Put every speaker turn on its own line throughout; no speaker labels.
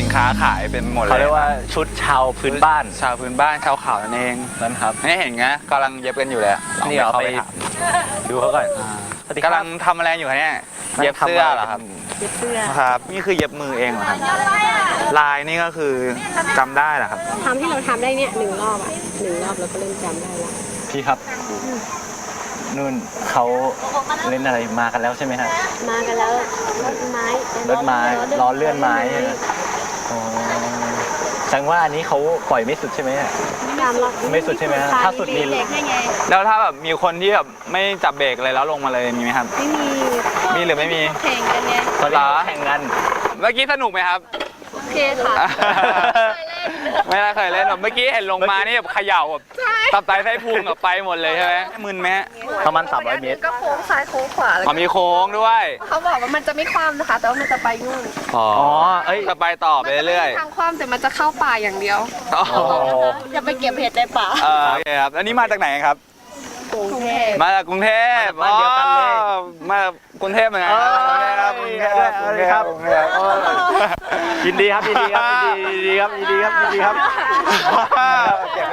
ค้าขายเป็นหมดเลย
เขาเรียกว่าชุดชาวพื้นบ้าน
ชาวพื้นบ้านชาวเขานั่นเอง
นั่นครับ
นี่เห็นไงกำลังเย็บกันอยู่เลยลอง
นี่เอา
เข้า
ไป
ถาม
ดูเขาก่อน
กำลังทำอะไรอยู่เนี่ยเย็บเสื้อเหรอครับ
เย็บเสื้อ
ครับ นี่คือเย็บมือเองเหรอครับลายนี่ก็คือจำได้เหรอครับ
ทำที่เราทำได้เนี่ย1 รอบอ่ะ1 รอบเราก็เริ่มจำได้แล้ว
พี่ครับนู่นเขาเล่นอะไรมากันแล้วใช่ไหมฮะ
มากันแล้วรถไม้
รถไม้ล้อเลื่อนไม้ใช่ไหมอ๋อแสดงว่าอันนี้เขาปล่อยไม่สุดใช่ไหมฮะ ไม่สุดใช่ไหมฮะถ้าสุดมี
เบรกให้ไง
แล้วถ้าแบบมีคนที่แบบไม่จับเบรกเลยแล้วลงมาเลยมีไหมครับ
ไม่มี
มีหรือไม่มี
แข่งกันไง
ตอนนี้เขาแข่งกัน
เมื่อกี้สนุกไหมครับ
โอเคค่ะ
ไม่ได้เคยเล่นแบบเมื่อกี้เห็นลงมานี่แบบเขย่าแบบตับไตไส้พุงแบบไปหมดเลยใช่ไหมมึนไหม
ประมาณ300 เมตร
ก็โค้งซ้ายโค้งขวาแล้ว
อ๋อมีโค้งด้วย
เขาบอกว่ามันจะไม่คว่ำนะคะ แต่ว่ามันจะไปนู่น
อ๋อ
เอ้ย
จะไปต่อไปเรื่อย
ทางคว่ำแต่มันจะเข้าป่าอย่างเดียว
ๆอ๋อ
จะไปเก็บเห็ดในป่า
โอเคครับอันนี้มาจากไหนครับ
กรุงเทพ
มาจากกรุงเทพ
มาจากบ้านเดียวกันเลย
อ๋อมาจากกรุงเทพเหมือนกันครับกรุงเทพครับกรุงเทพครับกรุงเทพ
ยินดีครับยินดีครับยินดีครับยินดีครับยินดีครับ
เก็บไว้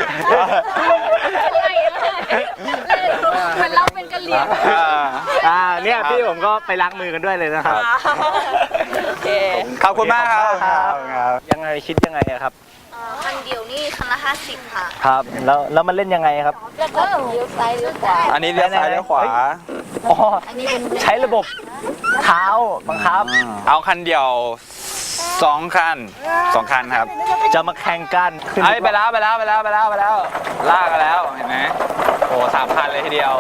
มันเราเป็นกะเหรี่ยง
เนี่ยพี่ผมก็ไปล้างมือกันด้วยเลยนะครับ
โอเค
ขอบคุณมากครับ
ยังไงคิดยังไงอะครับ
คันเดียวนี่คันละ50 ค่ะ
ครับแล้วมันเล่นยังไงครับ
แล้วก็เลี้ยวซ้ายเลี้ยวขวา
อันนี้เลี้ยวซ้ายเลี้ยวขวา
อ๋อใช้ระบบเท้าบังคับ
เอาคันเดียว2 คันครับ
จะมาแข่งกันขึ้น
เอ้ยไปแล้วลากกันแล้วเห็นไหมโอ้3 คันเลยทีเดียว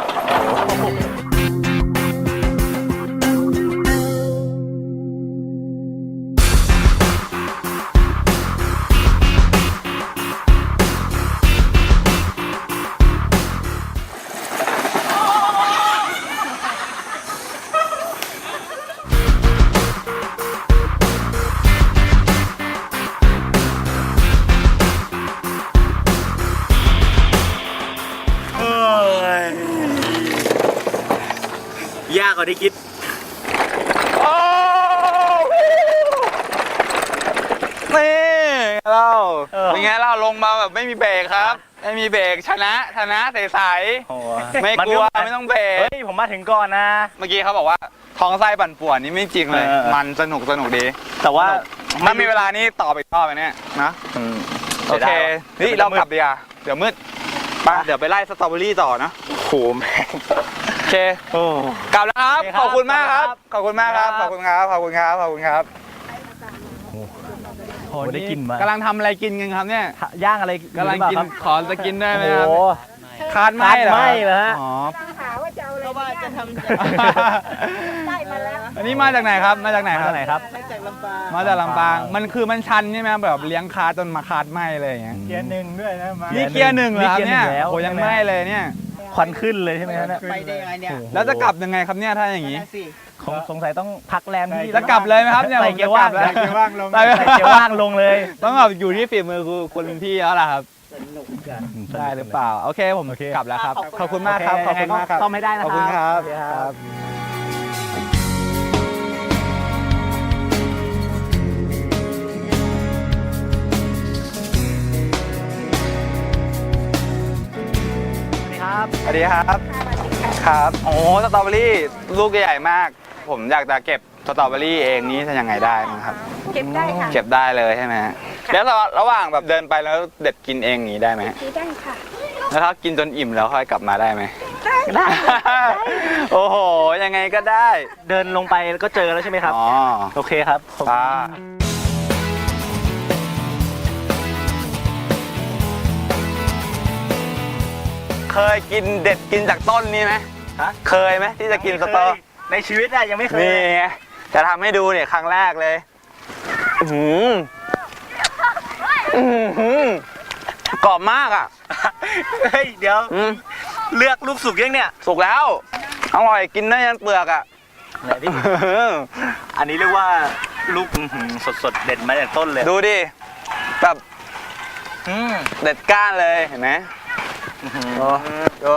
ยากกว่าที่คิด
โอ้นี่เรา เป็นไงเราลงมาแบบไม่มีเบรกครับ ไม่มีเบรกชนะใสๆไม่กลัวไม่ต้องเบรก
เฮ้ยผมมาถึงก่อนนะ
เมื่อกี้เขาบอกว่าท้องไส้ปั่นป่วนนี่ไม่จริงเลย มันสนุกดี
แต่ว่า
ถ้ามีเวลานี้ต่อไปอีกรอบไปเนี่ยนะโอเคนี่เรากลับดีกว่าเดี๋ยวมืดไปเดี๋ยวไปไล่สตรอเบอรี่ต่อนะ
โหแม่ง
โอเค
โอ้
กลับแล้วครับ
โอเคครับ
ขอบคุณมากครับ ขอบคุณมากครับ
ค
ข
รั
อ
บบ
คุณครับ ขอบคุณครับ ขอบคุณครับ
โหได้กินมาก
ำลังทำอะไรกินกันครับเนี่ย
ย่างอะไร
กำลังกิน
หรือเปาครับ
ขอจะกินได้ไหม
โอ้
ครับ
โห
คาดไหมเหรอ
คาดไหม้เหรอฮะ
อ๋อ
ก็ว่าจะทำ
อันนี้มาจากไหนครับ มาจากไหน
มา
ครั
จา
บ
กไหนครับ
จากลำปาง
มาจากลำปาง มันคือมันชันใช่ไหมแบบเลี้ยงคาจนมาคาดไหมเลยอย่างเงี้ย
เกียร์หนึ่งด้วยนะมา
นี่เกียร์หนึ่งเหรอครับเนี่ย
แล้ว
โอ้ยังไหมเลยเนี่ย
ควันขึ้นเลยใช่ไหมฮะเนี่ย
ไปได้ยังไงเนี่ย
แล้วจะกลับยังไงครับเนี่ยถ้าอย่างนี้
สงสัยต้องพักแรมที่
จะกลับเลยไหมครับเนี่ย
ใส่เกียร์ว่าง
ใส่เกียร์ว่างลง
ใส่เกียร์ว่างลงเลย
ต้องแบบอยู่ที่ฝีมือคุณพี่แล้วล่ะครับได้หรือเปล่าโอเคผมกลับแล้วครับขอบคุณมากครับขอบคุณมากครับ
ซ่อมให้ได้นะ
ข
ค
อ
รั
บบ คุณครับ
โอเครับ ครับ
สวัสดีครับ ครับโอ้สตรอเบอรี่ลูกใหญ่มาก ผมอยากจะเก็บสตรอเบอรี่เองนี่จะยังไงได้มั้งครับ
เก็บได้ค่ะ
เก็บได้เลยใช่ไหมฮะแล้วระหว่างแบบเดินไปแล้วเด็ดกินเองอย่างนี้ได้ไหม
ได้ค่ะ
แล้วถ้ากินจนอิ่มแล้วค่อยกลับมาได้ไหมได้ โอ้โหยังไงก็ได้
เดินลงไปแล้วก็เจอแล้วใช่ไหมครับ
อ๋อ
โอเคครับขอบคุณ
ป้าเคยกินเด็ดกินจากต้นนี้ไหม
ฮะ
เคยไหมที่จะกินสตอ
ในชีวิตอะยังไม่เคย
นี่ไงจะทำให้ดูเนี่ยครั้งแรกเลยกรอบมากอ่ะ
เฮ้ยเดี๋ยว
อืม
เลือกลูกสุกยังเนี่ย
สุกแล้วอร่อยกินได้ยันเปลือกอ่ะ
ไหนพี่ อันนี้เรียกว่าลูกสดๆเด็ดมาจากต้นเลย
ดูดิแบบ
อืม
เด็ดก้านเลยเห็นไหมดู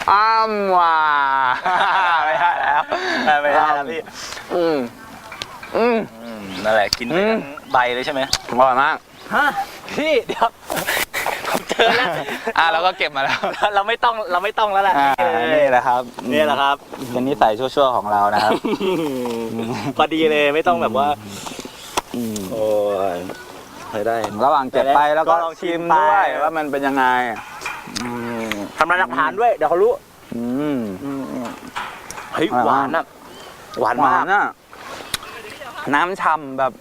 อ้ำว่ะไม่ได้แล้ว
ไม่ได้แล้วพี่
อืม
นั่นแหละกินไปทั้งใบเลยใช่ไหม
อร่อยมาก
ฮะพี่เดี๋ยวผมเจอแล้ว
เราก็เก็บมาแล้ว
เราไม่ต้องแล้วแหละ
นี่แหละครับ
นี่แหละครับ
เป็นนิสัยชั่วๆของเรานะครับ
พอดีเลยไม่ต้องแบบว่าโอ้ยใช้ได้
ระหว่างเก็บไปแล้วก็
ลองชิ
ชิ
ม
ม
ไป
ด้วยว่ามันเป็นยังไง
ทำร้านอาหารด้วยเดี๋ยวเขารู้
อืม
เฮ้ย
อร่อย
ห
มาก
วานอะหวาน
หวาม
าก
นอ่ะน้ำฉ่ำแบบ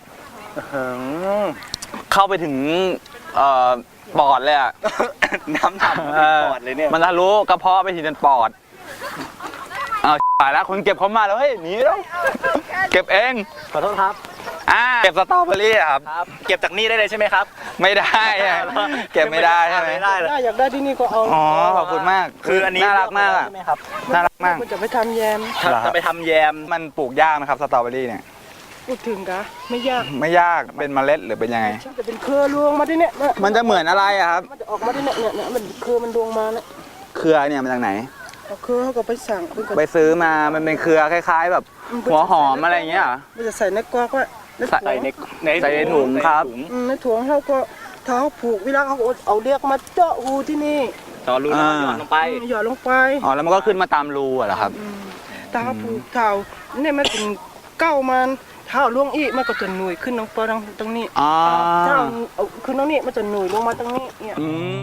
เข้าไปถึงปอดเลยอ่ะ
น้ำฉ่ำปอดเลยเนี่ย
มันทะลุกระเพาะไปถึงจนปอดเอาตายแล้วคนเก็บเขามาแล้วเฮ้ยหนีแล้วเก็บเอง
ขอโทษครับ
เก็บสตรอเบอรี่อะครับ
ครับ เก็บจากนี่ได้เลยใช่ไหมครับ
ไม่ได้อะเก็บไม่ได้ใช่ไหม
ไม่ได้เลย
ถ้าอยากได้ที่นี่ก็เอา
อ๋อขอบคุณมาก
คืออันนี้
น่ารักมากอะ
ใช่ไหมครับ
น่ารักมาก
มันจะไปทำแยม
จะไปทำแยม
มันปลูกยากนะครับสตรอเบอรี่เนี่ย
พูดถึงกะไม่ยาก
ไม่ยากเป็นเมล็ดหรือเป็นยังไง
มันจะเป็นเครือรวงมาที่เนี่ย
มันจะเหมือนอะไรอะครับ
มันจะออกมาที่เนี่ยเนี่ยมันเครือมันรวงมาเนี่ย
เครือเนี่ยมาจากไหน
เอาเครือเขาก็ไปสั่งเป็น
ไปซื้อมามันเป็นเครือคล้าย ๆ แบบหัวหอมอะไรอย่างเงี้ยเหรอ
มันจะใส่ในกอกไว้ในถุง
ใส่ในถุง
ครับ
ในถุงเขาก็ถ้าเขาผูกเวลาเขาเอาเรียกมาเจาะหูที่นี่
ต่อรูแล้วก็หย่อนลงไป
หย่อนลงไป
อ๋อแล้วมันก็ขึ้นมาตามรูอะเหรอครับ
ถ้าเขาผูกเท้าเนี่ยมันเป็นเก้ามันเท้าล่วงอีกมันก็จะหนุยขึ้นลงไปตรงนี้
อ๋อ
ถ้าเอาขึ้นตรงนี้มันจะหนุยลงมาตรงนี้เนี่ย
อืม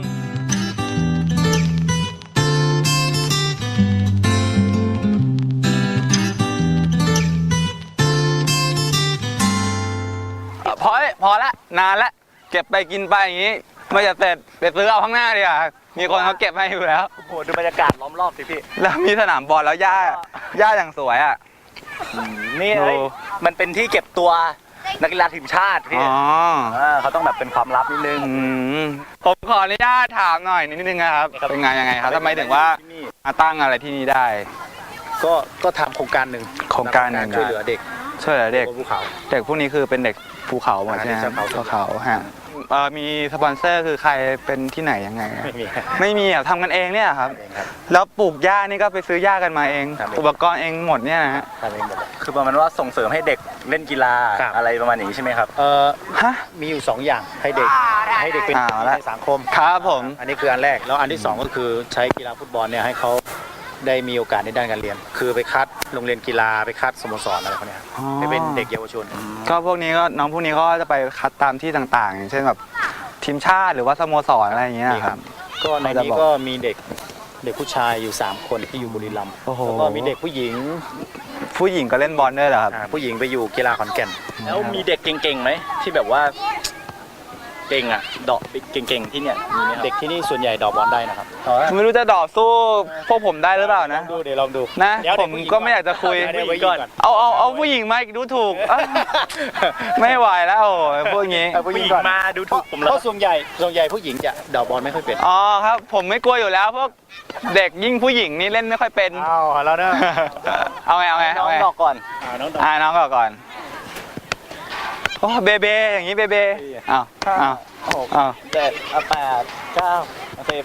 พอละนานละเก็บไปกินไปอย่างงี้ไม่จะเสร็จไปซื้อเอาข้างหน้าดีกว่ามีคนเขาเก็บให้อยู่แล้ว
โอ้โหดูบรรยากาศล้อมรอบสิพี่
แล้วมีสนามบอลแล้วหญ้าอย่างสวยอ่ะ
นี่
โอ้
เฮ้ยมันเป็นที่เก็บตัวนักกีฬาทีมชาติพี่
อ๋อ
เขาต้องแบบเป็นความลับนิดนึง
ผมขออนุญาตถามหน่อยนิดนึงนะครับ เป็นงานยังไงครับทำไมถึงว่ามาตั้งอะไรที่นี่ได้
ก็ทำโครงการหนึ่ง
โครงการหนึ่ง
ช่วยเหลือเด็ก
ช่วยเหลือเด็ก
บนภูเขา
เด็กพวกนี้คือเป็นเด็กภูเขาหมดใช่ไหม
เด็กชาวเขา
ภูเขาฮะมีสปอนเซอร์คือใครเป็นที่ไหนยังไงอะ
ไม่มี
ไม่มีอ่ะทำกันเองเนี่ยครับ
เองครับ
แล้วปลูกหญ้านี่ก็ไปซื้อหญ้ากันมาเอง
ครับ
อุปกรณ์เองหมดเนี่ยนะฮะ
ทำเองหมดเลย
คือประมาณว่าส่งเสริมให้เด็กเล่นกีฬา
ครับ
อะไรประมาณนี้ใช่ไหมครับ
ฮะ
มีอยู่ 2 อย่างให้เด็กเป็น
เอาละ
ในสังคม
ครับผม
อันนี้คืออันแรกแล้วอันที่ 2 ก็คือใช้กีฬาฟุตบอลเนี่ยให้เขาได้มีโอกาสในด้านการเรียน คือไปคัดโรงเรียนกีฬาไปคัดสโมสรอะไรพวกเนี้ยไปเป็นเด็กเยาวชน
ก็พวกนี้ก็น้องพวกนี้ก็จะไปคัดตามที่ต่างๆ อย่างเช่นแบบทีมชาติหรือว่าสโมสรอะไรอย่างเงี้ยครับ
ก็ในนี้ก็มีเด็กผู้ชายอยู่ 3 คนที่อยู่บุรีรัมย์
โอ้โห
แล้วก็มีเด็กผู้หญิง
ผู้หญิงก็เล่นบอลด้วยเหรอครับ
ผู้หญิงไปอยู่กีฬาขอนแก่น
แล้วมีเด็กเก่งๆไหมที่แบบว่าเก่งอ่ะเดาะเก่งๆที่เนี่ยมีไหมครับ
เด็กที่นี่ส่วนใหญ่ดอกบอลได้นะครับ
ไม่รู้จะดอกสู้พวกผมได้หรือเปล่านะ
ดูเดี๋ยวลองดู
นะ
เดี๋ยว
ผมก็ไม่อยากจะคุย
เดี๋ยวผู้หญิงก่อน
เอาผู้หญิงมาอีกดูถูกอ่ะไม่ไหวแล้วโอ้ยพวกนี้
ผู้หญิงมาดูถูกผม
เพ
แล้ว
ราะส่วนใหญ่ผู้หญิงจะดอกบอลไม่ค่อยเป็น
อ๋อครับ ผมไม่กลัวอยู่แล้วพวกเด็กยิ่งผู้หญิงนี่เล่นไม่ค่อยเป็น
อ้าวแล้วนะ
เอาไง
น้
เอา
อง
ไง
ดอกก่อน
น้องดอก
น้องก่อนโอ้เบเบอย่างนี้เบเบอ้าวอ้าว
6
อ้าว
7 8 9 10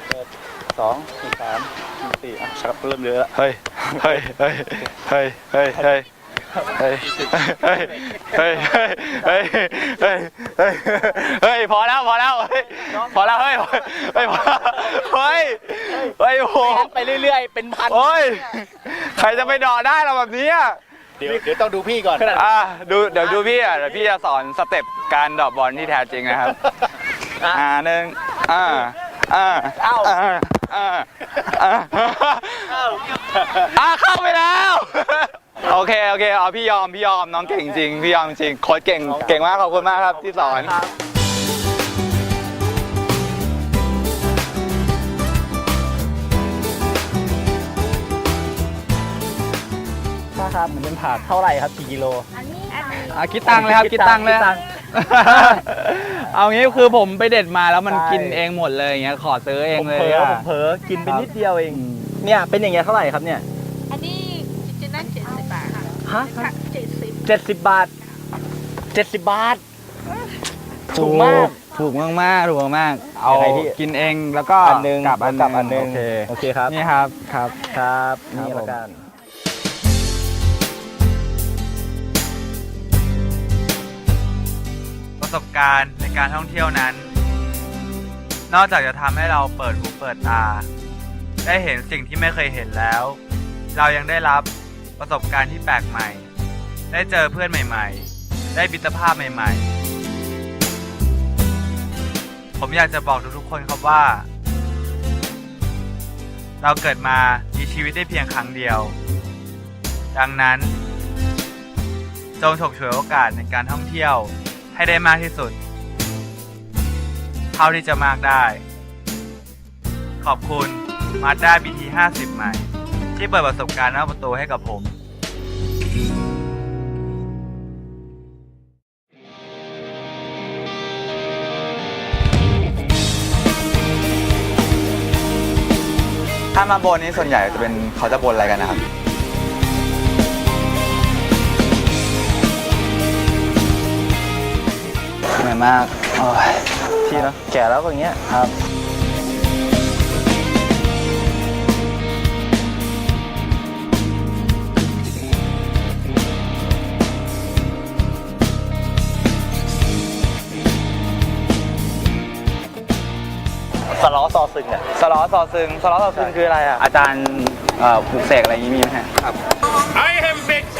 11 12 13 14อ่ะชักเริ่มเยอะแล้ว
เฮ้ยเฮ้ยเฮ้ยเฮ้ยเฮ้ยเฮ้ยเฮ้ยเฮ้ยเฮ้ยเฮ้ยเฮ้ยเฮ้ยเฮ้ยพอแล้วเฮ้ยพอแล้วเฮ้ยเฮ้ยเฮ้ยเฮ้ยโอ้โห
ไปเรื่อยๆเป็นพัน
โอ้ยใครจะไปดอได้เราแบบนี้อ่ะ
เดี๋ยวต้องดูพี่ก่อน
เดี๋ยวดูพี่อ่ะเดี๋ยวพี่จะสอนสเต็ปการดอกบอลที่แท้จริงนะครับหนึ่งเข้าไปแล้วโอเคเอาพี่ยอมน้องเก่งจริงพี่ยอมจริงโค้ชเก่งมากขอบคุณมากครับที่สอน
ครับมันเป็นผักเท่าไหร่ครับกี่กิโล
คิดตังค์เลยครับคิดตังค์เลยเอางี้คือผมไปเด็ดมาแล้วมันกินเองหมดเลยอย่างเงี้ยขอซื้อเองเลย
ผมเผลอกินไปนิดเดียวเองเนี่ยเป็นอย่างเงี้ยเท่าไหร่ครับเนี่ย
อันนี้จะนั่น70 บาทค่ะ
ฮะ
ค่ะ70
70 บาท 70 บาทถูกมาก
ถูกมากเอา
ยังไงพี่
กินเองแล้วก็
อันหนึง
กลับอันหนึง
โอเคครับ
นี่ครับครับ
ครับ
ครับ
นี่
ผม
ละกัน
สบการณ์ในการท่องเที่ยวนั้น นอกจากจะทำให้เราเปิดหูเปิดตา ได้เห็นสิ่งที่ไม่เคยเห็นแล้ว เรายังได้รับประสบการณ์ที่แปลกใหม่ ได้เจอเพื่อนใหม่ๆ ได้มิตรภาพใหม่ๆ ผมอยากจะบอกทุกๆคนครับว่า เราเกิดมามีชีวิตได้เพียงครั้งเดียว ดังนั้นจงฉกฉวยโอกาสในการท่องเที่ยวให้ได้มากที่สุดเท่าที่จะมากได้ ขอบคุณ Mazda BT 50 ใหม่ ที่เปิดประสบการณ์นอกประตูให้กับผม
ถ้ามาบนนี้ส่วนใหญ่จะเป็นเขาจะบนอะไรกันนะครับ
เหนื่อยมากโอ้ยที่เนาะแก่แล้วก็อย่างเงี้ยครับ สล้อซอซึงอ่ะ
สล้อซอซึงคืออะไรอ่ะ อาจารย์ปลูกเสกอะไรอย่างนี้มีไหมฮะ
I am vexed